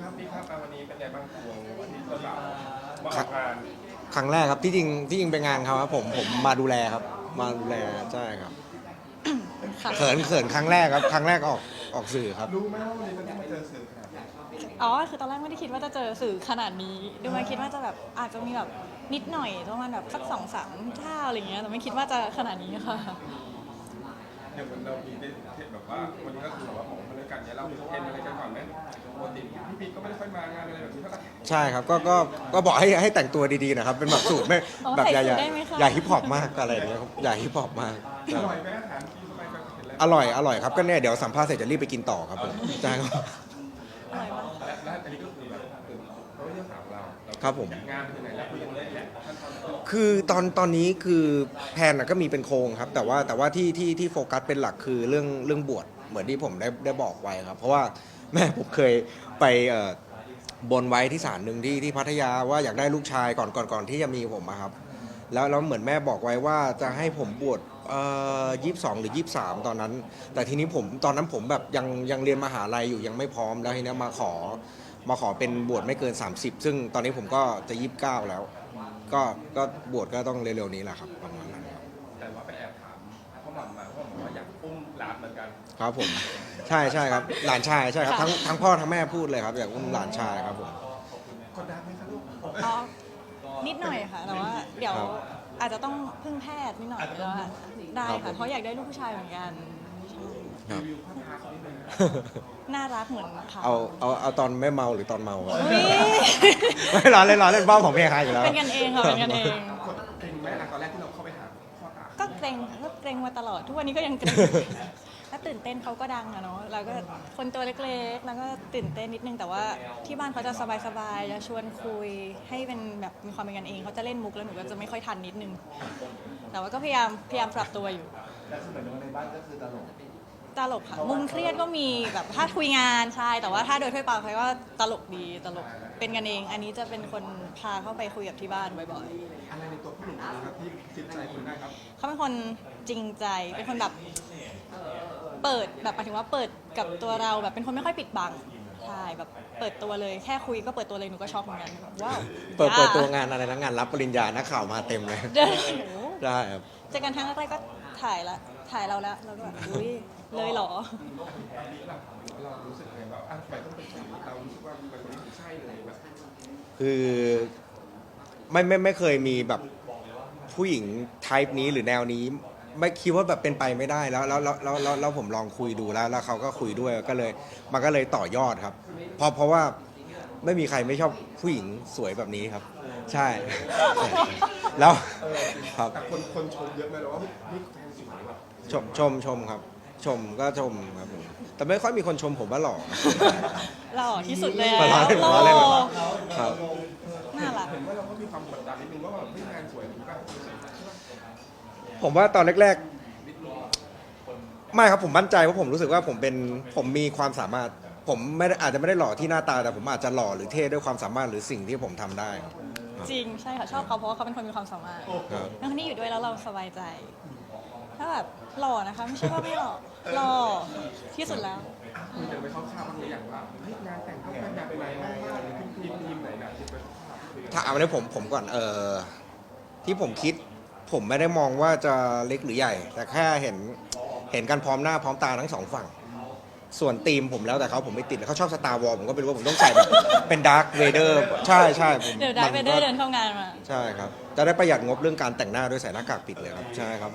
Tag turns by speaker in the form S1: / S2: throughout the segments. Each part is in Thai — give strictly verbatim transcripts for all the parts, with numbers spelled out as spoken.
S1: ครับพี่ครับวันนี้เป็นไงบ้างวงวันนี้ตัวเรามาออกงาน
S2: ครั้งแรกครับที่จริงที่จริงเป็นงานเขาครับผมผมมาดูแลครับมาดูแลใช่ครับ
S3: ค่ะ
S2: เขินเขินครั้งแรกครับครั้งแรกออกออกสื่อครับ
S1: รู้ไหมว่าวันนี้จะต้องมาเจอสื่อขนาดนี้
S3: อ๋อคือตอนแรกไม่ได้คิดว่าจะเจอสื่อขนาดนี้ดูมาคิดว่าจะแบบอาจจะมีแบบนิดหน่อยประมาณแบบสักสองสามเท่าอะไรเงี้ยแต่ไม่คิดว่าจะขนาดนี้ค่ะ
S1: อย่างวันเรามีได้เทศแบบว่าวันนี้ก็คือแบบว่าของมาด้วยกันเนี่ยเราเทรนอะไรกันก่อนไหมปกติพี่พีก็ไม่ได้ค่อยมางานอะไรแบบนี้เท่าไหร่
S2: ใช่ครับก็ก็ก็บอกให้ให้แต่งตัวดีๆนะครับเป็นแบบสูตรไม่แบบอย่าอย่าอย่าฮิปฮอปมากอะไรอย่างเงี้ยครับอย่าฮิปฮอปมาก
S1: อร่อยไหมอาหารที่ทำไมแบบเห็นแล้ว
S2: อร่อยอร่อยครับก็เนี่ยเดี๋ยวสัมภาษณ์เสร็จจะรีบไปกินต่อครับผมใช่ครับ
S3: อร่อยมาก
S1: และและอันนี้ก็คือแบบคือเขาไม่ได้ถามเรา
S2: ครับผม
S1: งานเป็นยังไงแล้วคุยกันได้แหละขั้นตอน
S2: คือตอนตอนนี้คือแพลนน่ะก็มีเป็นโครงครับแต่ว่าแต่ว่าที่ที่ที่โฟกัสเป็นหลักคือเรื่องเรื่องบวชเหมือนที่ผมได้ได้บอกไว้ครับเพราะว่าแม่ผมเคยไปเอ่อบนไว้ที่ศาลหนึ่งที่ที่พัทยาว่าอยากได้ลูกชายก่อนก่อนก่อนที่จะมีผมอะครับแล้วแล้วเหมือนแม่บอกไว้ว่าจะให้ผมบวชเอ่อยี่สิบสองหรือยี่สิบสามตอนนั้น แต่ทีนี้ผมตอนนั้นผมแบบยังยังเรียนมหาลัยอยู่ยังไม่พร้อมแล้วทีนี้มาขอมาขอเป็นบวชไม่เกินสามสิบซึ่งตอนนี้ผมก็จะยี่สิบเก้าแล้วก็ก็บวชก็ต้องเร็วๆนี้แหละครับประมาณนั้นครับ
S1: แต่ว่าไปแอบถามพ่อหม่ำมาพ่อหม่ำว่าอยากอุ้มหลานเหมือนกัน
S2: ครับผมใช่ใช่ครับหลานชายใช่ครับทั้งทั้งพ่อทั้งแม่พูดเลยครับอยากอุ้มหลานชายครับผม
S1: กดดันไหมครับลูก
S3: อ๋อนิดหน่อยค่ะแต่ว่าเดี๋ยว
S2: ครับ
S3: อาจจะต้องพึ่งแพทย์นิดหน่อยแล้วอะได้ค่ะเพราะอยากได้ลูกผู้ชายเหมือนกัน
S2: ครับ
S1: รีวิวพ่อพาเขานิดนึงนะ
S3: น่ารักเหมือนเขา
S2: เอาเอาเอาตอนไม่เมาหรือตอนเมาอะ
S3: อุ๊ย
S2: ไม่ร้อนเล่นร้อนเล่นบ้าของเมียใครอยู่แล้ว
S3: เป็นกันเองค่ะเป็นกันเอง
S1: กดเกรงไหมล่ะตอนแรกที่เราเข้าไปหาพ่อตา
S3: ก็เกรงก็เกรงมาตลอดทุกวันนี้ก็ยังเกรงถ้าตื่นเต้นเขาก็ดังอะเนาะเราก็คนตัวเล็กๆแล้วก็ตื่นเต้นนิดนึงแต่ว่าที่บ้านเขาจะสบายๆจะชวนคุยให้เป็นแบบมีความเป็นกันเองเขาจะเล่นมุกแล้วหนูก็จะไม่ค่อยทันนิดนึงแต่ว่าก็พยายามพยายามปรับตัวอยู่
S1: แต่สมัยในบ้านก็คือตลก
S3: ตลกค่ะมุมเครียดก็มีแบบถ้าคุยงานใช่แต่ว่าถ้าโดยทั่วไปเขาก็ตลกดีตลกเป็นกันเอง อันนี้จะเป็นคนพาเข้าไปคุยกับที่บ้านบ่อยๆ
S1: อะไรในตัวผู้หนุ่มนะครับที่จิตใจคุณได้ครับ
S3: เขาเป็นคนจริงใจ เป็นคนแบบเปิดแบบหมายถึงว่าเปิดกับตัวเราแบบเป็นคนไม่ค่อยปิดบังใช่แบบเปิดตัวเลยแค่คุยก็เปิดตัวเลยหนูก็ช็อกเหมือนกันว้าว
S2: เปิดเปิดตัวงานอะไรนะงานรับปริญญานักข่าวมาเต็มเลย
S3: เดิน
S2: ได้ครับ
S3: เจอกันครั้งแรกก็ถ่ายละถ่ายเราแล้วเราก็แบบอุ้ยเลยเหรอ
S1: เรารู้สึกไงแบบอ่ะทำไมต้องเป็นคนนี้เรารู้สึกว่าเป็นคนที่ใช่เลยแบบ
S2: คือไม่ไม่ไม่เคยมีแบบผู้หญิงไทป์นี้หรือแนวนี้ ไม่คิดว่าแบบเป็นไปไม่ได้แล้วแล้วแล้วแล้วแล้วแล้วผมลองคุยดูแล้ว แล้วเขาก็คุยด้วยก็เลยมันก็เลยต่อยอดครับเพราะเพราะว่าไม่มีใครไม่ชอบผู้หญิงสวยแบบนี้ครับ ใช่ แล้วครับ
S1: แต่คนคนชมเยอะไหมเราว่านี่แฟนสวยแบบ
S2: ชมชมชมครับ ชมก็ชมครับผมแต่ไม่ค่อยมีคนชมผมว่าหล่อ
S3: หล่อที่สุดเลย
S2: มาล้อเล่น
S3: โล
S2: ล้อเล่นครับ
S3: น่ารัก
S1: เห็นว่าเราก็มีความกดดันนิดนึงว่าแบบไม่งานสวยหรือเปล่า
S2: ผมว่าตอนแรกๆไม่ครับผมมั่นใจว่าผมรู้สึกว่าผมเป็นผมมีความสามารถ ผมไม่ได้อาจจะไม่ได้หล่อที่หน้าตาแต่ผมอาจจะหล่อหรือเท่ด้วยความสามารถหรือสิ่งที่ผมทำได้ครับ
S3: จริงใช่ค่ะชอบเขาเพราะว่าเขาเป็นคนมีความสามารถ
S2: ครับ
S3: แล้วคนที่อยู่ด้วยแล้วเราสบายใจ ถ้าแบบหล่อนะคะไม่ใช่ว่าไม่หล่อหล่อที่สุดแล้ว
S1: คุณจะไปเข้าข้าวบ้างหรือยังว่าเฮ้ยงานแต่งต้องเป็นแบบไหนบ้างหรือทีมทีมไหนนะที่ไปเข้าข้าว
S2: ถ้าเอาในผมผมก่อนเออที่ผมคิด ผมไม่ได้มองว่าจะเล็กหรือใหญ่ แต่แค่เห็นเห็นกันพร้อมหน้าพร้อมตาทั้งสองฝั่ง ส่วนทีมผมแล้วแต่เขาผมไม่ติดเขาชอบสตาร์วอลผมก็ไม่รู้ว่าผมต้องใส่แบบเป็นดาร์คเวเดอร์ใช่ใช่ผม
S3: เดี๋ยวได้ไปเดินเดินเข้างานมา
S2: ใช่ครับจะได้ประหยัดงบเรื่องการแต่งหน้าด้วยใส่หน้ากากปิดเลยครับใช่ครับ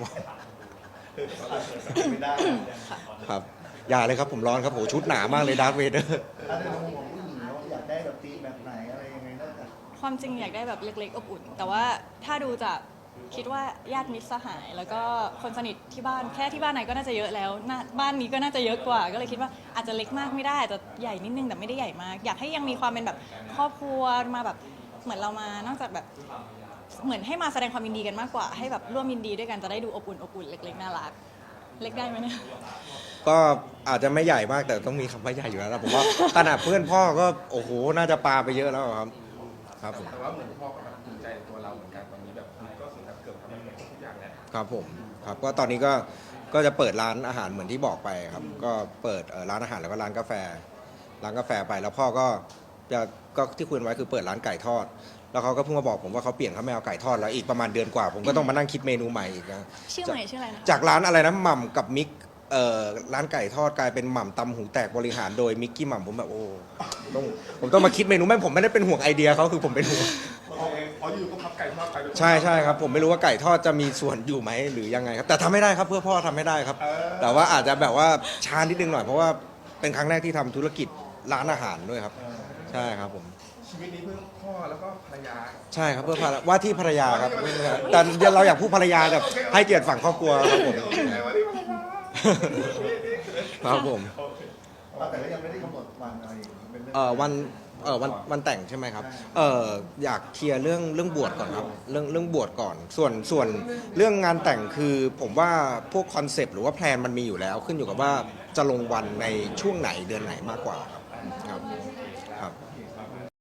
S1: ไม่ได้
S2: ครับอย่าเลยครับผมร้อนครับโหชุดหนามากเลยดาร์คเวเดอร์
S4: ถ้าในมุมของผู้หญิงเราอยากได้แบบตีแบบไหนอะไรยังไงนอกจาก
S3: ความจริงอยากได้แบบเล็กๆอบอุ่น แต่ว่าถ้าดูจากคิดว่าญาติมิตรสหาย แล้วก็คนสนิทที่บ้านแค่ที่บ้านไหนก็น่าจะเยอะแล้วน่าบ้านนี้ก็น่าจะเยอะกว่า ก็เลยคิดว่าอาจจะเล็กมากไม่ได้อาจจะใหญ่นิดนึงแต่ไม่ได้ใหญ่มาก อยากให้ยังมีความเป็นแบบครอบครัวมาแบบเหมือนเรามานอกจากแบบเหมือนให้มาแสดงความยินดีกันมากกว่า ให้แบบร่วมยินดีด้วยกันจะได้ดูอบอุ่นอบอุ่นเล็กๆน่ารักเล็กได้ไหมเนี่ย
S2: ก็อาจจะไม่ใหญ่มากแต่ต้องมีคำว่าใหญ่อยู่แล้วนะผมว่าขนาดเพื่อนพ่อก็โอ้โหน่าจะปาไปเยอะแล้วครับครับผม
S1: แต่ว่าเหมือนพ่อก็แบบภูมิใจในตัวเราเหมือนกันตอนนี้แบบก็ถึงกับเกือบทำให้ทุกอย่างแล้ว
S2: ครับผมครับก็ตอนนี้ก็ก็จะเปิดร้านอาหารเหมือนที่บอกไปครับก็เปิดเอ่อร้านอาหารแล้วก็ร้านกาแฟร้านกาแฟไปแล้วพ่อก็จะก็ที่คุยกันไว้คือเปิดร้านไก่ทอด แล้วเขาก็เพิ่งมาบอกผมว่าเขาเปลี่ยนเขาไม่เอาไก่ทอดแล้วอีกประมาณเดือนกว่า ผมก็ต้องมานั่งคิดเมนูใหม่อีกนะ
S3: ชื่อใหม่ชื่ออะไรนะคะ
S2: จากร้านอะไรนะหม่ำกับมิกเอ่อร้านไก่ทอดกลายเป็นหม่ำตำหูแตกบริหารโดยมิกกี้หม่ำผมแบบโอ้ต้องผมต้องมาคิดเมนูแม่ผมไม่ได้เป็นห่วงไอเดียเขาคือผมเป็นห่วง
S1: อ๋ออยู่ก็พับไก่ทอดไปด้วย
S2: ใช่ใช่ครับผมไม่รู้ว่าไก่ทอดจะมีส่วนอยู่ไหมหรือยังไงครับแต่ทำไม่ได้ครับเพื่อพ่อทำไม่ได้ครับ แต่ว่าอาจจะแบบว่าช้านิดนึงหน่อยเพราะว่าเป็นครั้งแรกที่ทำธุรกิจร้านอาหารด้วยครับ ใช่ครับผม
S1: ชีวิตนี้เพื่อพ่อแล้วก็ภรรยา
S2: ใช่ครับเพื่อภรรว่าที่ภรรยาครับแต่เราอยากพูดภรรยาแบบให้เกียรติฝั่งครอบครัวครับผม
S1: โอเควันนี้ภรรยา
S2: ครับผม
S1: โอเค
S4: แต่ก็ยังไม่ได้กำหนดวันอะไรอย่างนี้เป็นเรื่อง
S2: เออวันเออวันวันแต่งใช่ไหมครับเอออยากเคลียร์เรื่องเรื่องบวชก่อนครับเรื่องเรื่องบวชก่อน ส่วนส่วนเรื่องงานแต่งคือผมว่าพวกคอนเซปต์หรือว่าแพลนมันมีอยู่แล้ว ขึ้นอยู่กับว่าจะลงวันในช่วงไหนเดือนไหนมากกว่า